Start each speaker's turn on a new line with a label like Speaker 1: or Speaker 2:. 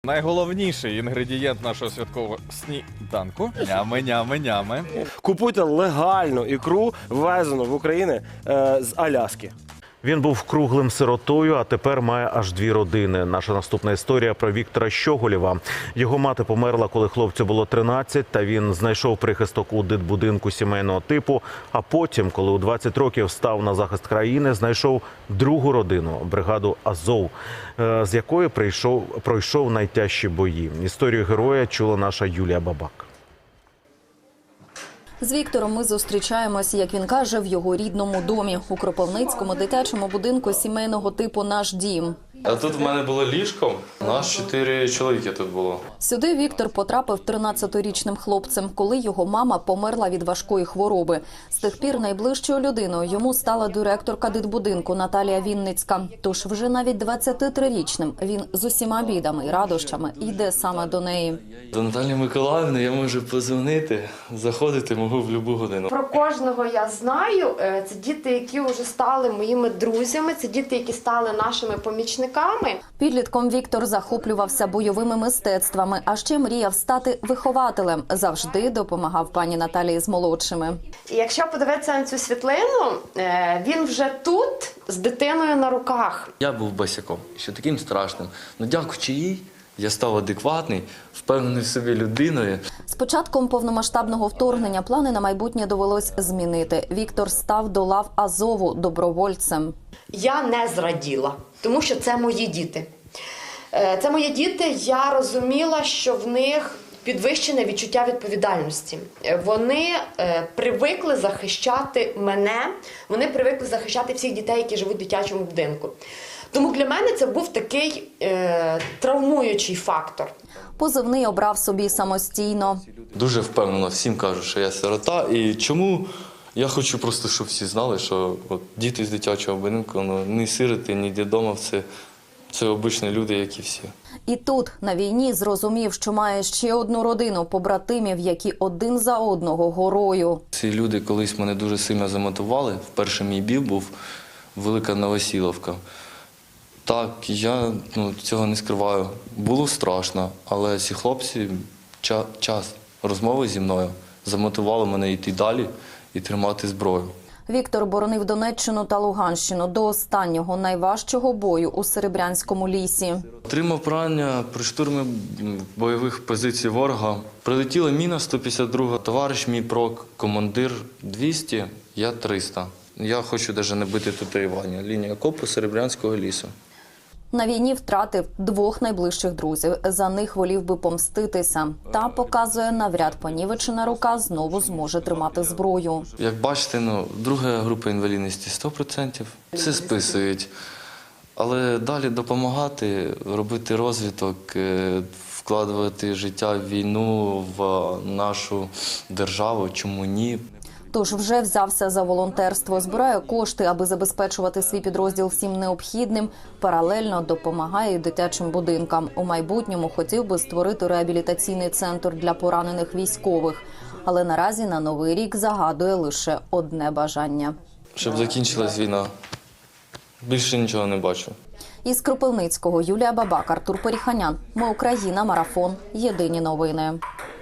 Speaker 1: Найголовніший інгредієнт нашого святкового сніданку – нями.
Speaker 2: Купуйте легальну ікру, ввезену в Україну з Аляски.
Speaker 3: Він був круглим сиротою, а тепер має аж 2 родини. Наша наступна історія про Віктора Щоголєва. Його мати померла, коли хлопцю було 13, та він знайшов прихисток у дитбудинку сімейного типу. А потім, коли у 20 років став на захист країни, знайшов другу родину – бригаду «Азов», з якої пройшов найтяжчі бої. Історію героя чула наша Юлія Бабак.
Speaker 4: З Віктором ми зустрічаємось, як він каже, в його рідному домі у Кропивницькому дитячому будинку сімейного типу «Наш дім».
Speaker 5: А тут в мене було ліжко, нас 4 чоловіки тут було.
Speaker 4: Сюди Віктор потрапив 13-річним хлопцем, коли його мама померла від важкої хвороби. З тих пір найближчою людиною йому стала директорка дитбудинку Наталія Вінницька. Тож вже навіть 23-річним він з усіма бідами і радощами йде саме до неї.
Speaker 5: До Наталії Миколаївни я можу подзвонити, заходити можу в будь-яку годину.
Speaker 6: Про кожного я знаю. Це діти, які вже стали моїми друзями, це діти, які стали нашими помічниками.
Speaker 4: Підлітком Віктор захоплювався бойовими мистецтвами, а ще мріяв стати вихователем. Завжди допомагав пані Наталії з молодшими.
Speaker 6: І якщо подивитися на цю світлину, він вже тут з дитиною на руках.
Speaker 5: Я був босяком, ще таким страшним. Ну дякуючи їй, я став адекватний, впевнений в собі людиною.
Speaker 4: З початком повномасштабного вторгнення плани на майбутнє довелось змінити. Віктор став до лав Азову добровольцем.
Speaker 6: Я не зраділа, тому що це мої діти. Це мої діти, я розуміла, що в них підвищене відчуття відповідальності. Вони привикли захищати мене, вони привикли захищати всіх дітей, які живуть в дитячому будинку. Тому для мене це був такий травмуючий фактор.
Speaker 4: Позивний обрав собі самостійно.
Speaker 5: Дуже впевнено всім кажу, що я сирота. І чому? Я хочу просто, щоб всі знали, що от, діти з дитячого будинку, ну, ні сироти, ні дідома, це обичні люди, як і всі.
Speaker 4: І тут, на війні, зрозумів, що має ще одну родину побратимів, які один за одного горою.
Speaker 5: Ці люди колись мене дуже сильно замотивували. Вперше мій бій був Велика Новосіловка. Так, я цього не скриваю. Було страшно, але ці хлопці час розмови зі мною замотивували мене йти далі і тримати зброю.
Speaker 4: Віктор боронив Донеччину та Луганщину до останнього найважчого бою у Серебрянському лісі.
Speaker 5: Отримав поранення при штурмі бойових позицій ворога. Прилетіла міна 152, товариш мій прок, командир 200, я 300. Я хочу навіть не бити татуювання. Лінія окопу Серебрянського лісу.
Speaker 4: На війні втратив 2 найближчих друзів. За них волів би помститися. Та, показує, навряд понівечена рука знову зможе тримати зброю.
Speaker 5: Як бачите, друга група інвалідності 100%. Все списують. Але далі допомагати, робити розвиток, вкладувати життя в війну, в нашу державу, чому ні?
Speaker 4: Тож вже взявся за волонтерство, збирає кошти, аби забезпечувати свій підрозділ всім необхідним. Паралельно допомагає дитячим будинкам. У майбутньому хотів би створити реабілітаційний центр для поранених військових. Але наразі на Новий рік загадує лише одне бажання.
Speaker 5: Щоб закінчилась війна. Більше нічого не бачу.
Speaker 4: Із Кропивницького Юлія Бабак, Артур Періханян. Ми Україна. Марафон. Єдині новини.